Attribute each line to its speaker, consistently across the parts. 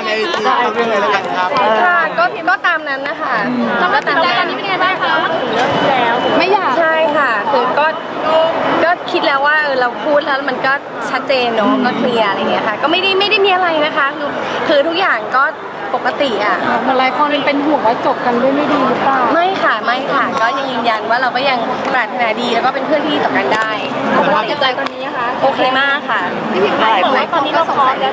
Speaker 1: ในทีมเรื่องอะไรแล้วกันครับ
Speaker 2: ค่ะก็ตามนั้นนะคะก็ตามนั้นตอนนี้เป็นไงบ้างคะถึงเลิกแล้วไม่อยากใช่ค่ะคือก็คิดแล้วว่าเราพูดแล้วมันก็ชัดเจนเนาะก็เคลียร์อะไรเงี้ยค่ะก็ไม่ได้มีอะไรนะคะคือทุกอย่างก็ปกติอ่ะหลายคนเป็นห่วงว่าจบกันด้วยไม่ดีหรือเปล่าไม่ค่ะก็ยังยืนยันว่าเราก็ยังปรารถนาดีแล้วก็เป็นเพื่อนที่ดีต่อกันได้สภาพจิตใจตอนนี้นะคะโอเคมากค่ะพี่พิมพ์บอกว่าตอนนี้เราพร้อมแล้ว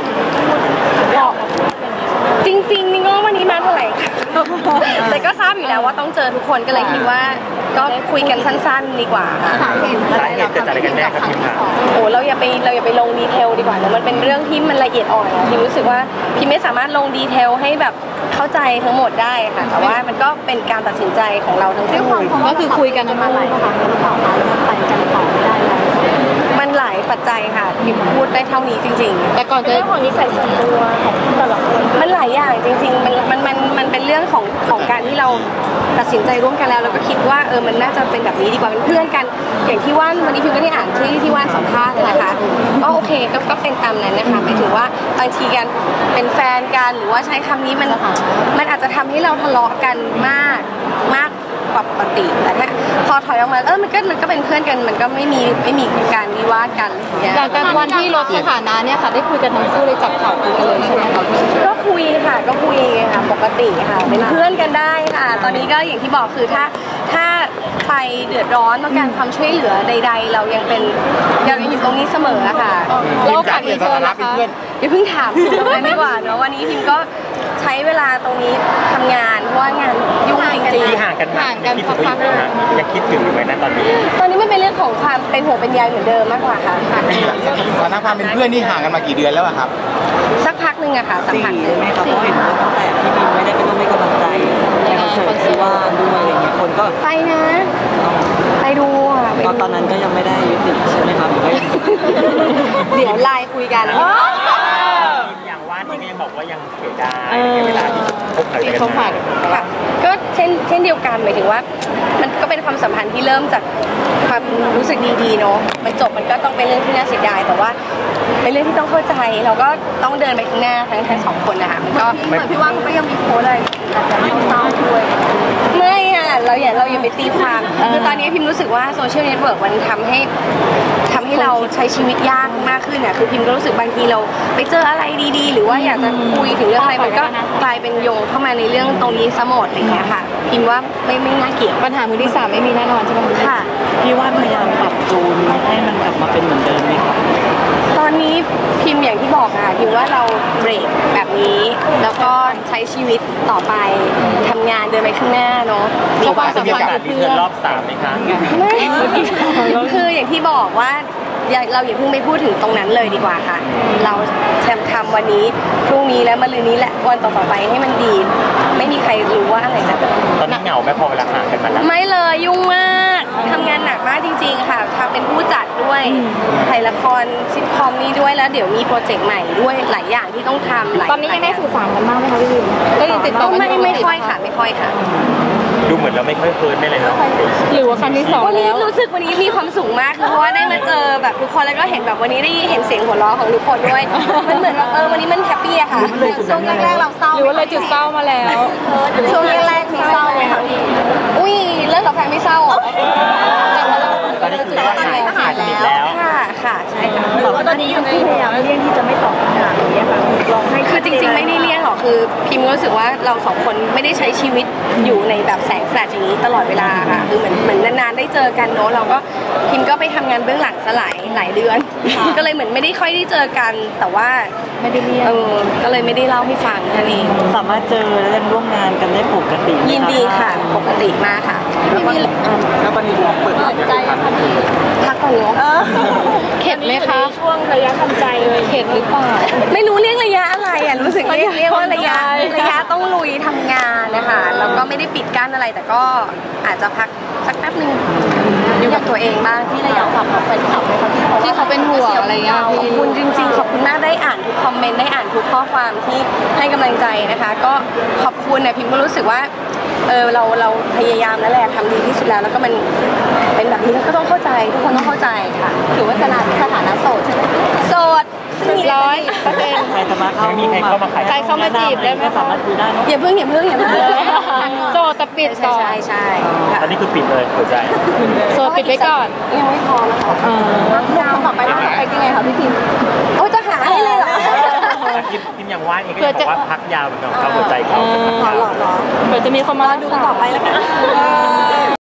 Speaker 2: จริงๆนี่ก็วันนี้มาเท่าไหร่แต่ก็ทราบอยู่แล้วว่าต้องเจอทุกคนก็เลยคิดว่าก็คุยกันสั้นๆดีกว่าค่ะสาเหตุเกิดจากอะไรกันแน่ครับพี่ค่ะโอ้เราอย่าไปลงดีเทลดีกว่าเนอะมันเป็นเรื่องที่มันละเอียดอ่อนพี่รู้สึกว่าพี่ไม่สามารถลงดีเทลให้แบบเข้าใจทั้งหมดได้ค่ะแต่ว่ามันก็เป็นการตัดสินใจของเราทั้งคู่ก็คือคุยกันมาหลายครั้งแล้วต่อมาแล้วไปกันต่อไม่ได้แล้วมันหลายปัจจัยค่ะพี่พูดได้เท่านี้จริงๆแต่ก่อนจะเรื่องของนิสัยส่วนตัวของแต่ละคนมันหลายอย่างจริงๆมันเป็นเรื่องของการที่เราตัดสินใจร่วมกันแล้วก็คิดว่ามันน่าจะเป็นแบบนี้ดีกว่าเป็นเพื่อนกันอย่างที่ว่านวันนี้พี่ก็ได้อ่านที่ว่านสัมภาษณ์นะคะก็โอเคก็เป็นตามนั้นนะคะหมายถึงว่าบางทีกันเป็นแฟนกันหรือว่าใช้คำนี้มันอาจจะทำให้เราทะเลาะกันมากปกติแต่ถ้าพอถอยออกมามันก็เป็นเพื่อนกันมันก็ไม่มีการวิวาทกันอย่างการวันที่ลดสถานะเนี่ยค่ะได้คุยกันทั้งคู่เลยจับเข่าคุยกันเลยใช่ไหมคะก็คุยค่ะปกติค่ะเป็นเพื่อนกันได้ค่ะตอนนี้ก็อย่างที่บอกคือถ้าใครเดือดร้อนต้องการความช่วยเหลือใดๆเรายังอยู่ตรงนี้เสมอค่ะแล้วการมีเพื่อนนะคะอย่าเพิ่งถามถึงตรงนั้นดีกว่าเนาะวันนี้พิมก็ใช้เวลาตรงนี้ทำงานเพราะว่างานยุ่งจริงๆ
Speaker 3: ห่างกันพักๆยังคิดถึงอยู่ไหมนะตอนนี้
Speaker 2: มันเป็นเรื่องของความเป็นห่วงเป็นใยเหมือนเดิมมากกว่าค่ะ
Speaker 1: สถานะความเป็นเพื่อนนี่ห่างกันมากี่เดือนแล้วครับ
Speaker 2: สักพักหนึ่งอะค่ะสักพักหนึ่ง
Speaker 4: ไหมครับเพราะเห็นว่าตั้งแต่พี่บินไม่ได้ไปร่วมให้กำลังใจในคอนเสิร์ตที่ว่าด้วยอะไรเงี้ยคนก็
Speaker 2: ไปนะไปดู
Speaker 4: ตอนนั้นก็ยังไม่ได้ยุติใช่ไหมครับหรือว่า
Speaker 2: เดี๋ยวไลน์คุยกัน
Speaker 3: อย่างว่านนี่ก็ยังบอกว่ายังเสียดายเวลาที่คบหากัน
Speaker 2: ค่ะก็เช่นเดียวกันหมายถึงว่ามันก็เป็นความสัมพันธ์ที่เริ่มจากความรู้สึกดีๆเนาะมันจบมันก็ต้องเป็นเรื่องที่น่าเสียดายแต่ว่าเป็นเรื่องที่ต้องเข้าใจเราก็ต้องเดินไปข้างหน้าทั้งสองคนนะคะมันก็เหมือนพี่ว่าเขาก็ยังมีโพสอะไรเศร้าด้วยไม่อะเราอย่าไปตีความคือตอนนี้พิมรู้สึกว่าโซเชียลเน็ตเวิร์กมันทำให้เราใช้ชีวิตยากมากขึ้นอ่ะคือพิมก็รู้สึกบางทีเราไปเจออะไรดีๆหรือว่าอยากจะคุยถึงเรื่องอะไรมันก็กลายเป็นโยงเข้ามาในเรื่องตรงนี้ซะหมดอะไรเงี้ยค่ะพิมว่าไม่น่าเกี่ยวปัญหามือที่3ไม่มีแน่นอนใช่ไหมค่ะ
Speaker 4: พี่ว่าพยายามปรับจูนให้มันกลับมาเป็นเหมือนเดิมไหมครับ
Speaker 2: ตอนนี้พิมอย่างที่บอกค่ะพิมว่าเราเบรกแบบนี้แล้วก็ใช้ชีวิตต่อไปทำงานเดินไปข้างหน้าเนาะ
Speaker 3: มีความสัมพันธ์กับเพื่อนรอบ3ไหมคะ
Speaker 2: ไม่คืออย่างที่บอกว่าเราอย่าเพิ่งไปพูดถึงตรงนั้นเลยดีกว่าค่ะเราทำวันนี้พรุ่งนี้และมะรืนนี้และวันต่อไปให้มันดีไม่มีใครรู้ว่าอะไรจะเกิด
Speaker 3: ตอนนี้เหงาไหมพอเวลาห่างกันมาแล้ว
Speaker 2: ไม่เลยยุ่งมากทำงานหนักมากจริงๆค่ะทำเป็นผู้จัดด้วยถ่ายละครซิทคอมนี้ด้วยแล้วเดี๋ยวมีโปรเจกต์ใหม่ด้วยหลายอย่างที่ต้องทำ
Speaker 5: ตอนนี้ยังได้สื่อสารกันบ้างไหมคะพี่วิน
Speaker 2: ก็ยังติดต่อไม่ค่อยค่ะ
Speaker 3: ดูเหมือนเราไม่ค่อยเฟิร์นไม่เลยเนาะ
Speaker 5: หรือว่าครั้งที่2
Speaker 2: วันนี้รู้สึกวันนี้มีความสุขมากเพราะว่าได้มาเจอแบบทุกคนแล้วก็เห็นแบบวันนี้ได้เห็นเสียงหัวเราะของทุกคนด้วยมันเหมือนวันนี้มันแฮปปี้อะค่ะช่วงแรกเราเศร้า
Speaker 5: หรือว่าเลยจุดเศร้ามาแล้ว
Speaker 2: ช่วงแรกมีเศร้าไหมคะพี่อุ้ยเลิกกับแฟนไม่เศร้า
Speaker 3: ตอนนี้คือว่าหายสนิทแล้ว
Speaker 2: ค่ะใช่ค่ะ
Speaker 5: แต่ว่าตอนนี้ยังพยายามเลี่ยงที่จะไม่ตอบคำถามอย่างเงี้ยค่ะลองให้
Speaker 2: คือจริงๆไม่ได้เลี่ยงหรอกคือพิมรู้สึกว่าเรา2คนไม่ได้ใช้ชีวิตอยู่ในแบบแสงแฟลชอย่างนี้ตลอดเวลาค่ะคือเหมือนนานๆได้เจอกันเนาะเราก็พิมก็ไปทำงานเบื้องหลังสลายหลายเดือนก็เลยเหมือนไม่ได้ค่อยได้เจอกันแต่ว่า
Speaker 5: ไม่ได้เลี่ยง
Speaker 2: ก็เลยไม่ได้เล่าให้ฟังนั่นเอง
Speaker 4: สามารถเจอและร่วมงานกันได้ปกติ
Speaker 2: ยินดีค่ะปกติมากค่ะ
Speaker 1: แล้ววันนี้เปิดใจ
Speaker 2: พักก่อนเนาะ
Speaker 5: เข็ดไหมคะช่วงระยะทำใจเลยเข็ดหรือเปล่า
Speaker 2: ไม่รู้เรียกระยะอะไรอ่ะรู้สึกเรียกว่าระยะต้องลุยทำงานนะคะแล้วก็ไม่ได้ปิดกั้นอะไรแต่ก็อาจจะพักสักแป๊บนึงอยู่กับตัวเองบ้าง
Speaker 5: ที่ระยะฝากของแฟนคลับเลยค่ะที่เขาเป็นห่วงอะไรเงี้ย
Speaker 2: ขอบคุณจริงๆขอบคุณมากได้อ่านทุกคอมเมนต์ได้อ่านทุกข้อความที่ให้กำลังใจนะคะก็ขอบคุณนะพิมก็รู้สึกว่าเราพยายามแล้วแหละทำดีที่สุดแล้วแล้วก็มันเป็นแบบนี้ก็ต้องเข้าใจทุกคนต้องเข้าใจค่ะ
Speaker 5: ถือว่าสถานะโสดใช่ไหม
Speaker 2: โสด100%
Speaker 4: ใครสามารถเข้า
Speaker 3: ยังมีใครเข้ามาขาย
Speaker 5: ใครเข้ามาจีบได้ไหม
Speaker 4: ก็สามารถคุยได้เนอะ
Speaker 2: อย่าเพิ่งอย่าเพิ่งอย่าเพิ่ง
Speaker 5: โสดแต่ปิด
Speaker 2: ใช่
Speaker 5: ก่อน
Speaker 2: ใช่ใช่ค่ะ
Speaker 3: ตอนนี้คือปิดเลยหัวใจ
Speaker 5: โสดปิดไว้ก่อน
Speaker 2: ยังไม่พร้อมค่ะต่อไปต่อไปยังไงคะพี่พิมโอ้จะหาให้เลยเหรอ
Speaker 3: คิมอย่างว่านเองก็ยังบอกว่าพักยาวเหมือนกันเขาหัวใจเขา
Speaker 2: หรอ
Speaker 5: เผื่อจะมีคนมา
Speaker 2: ดูกันต่อไปแล้วกัน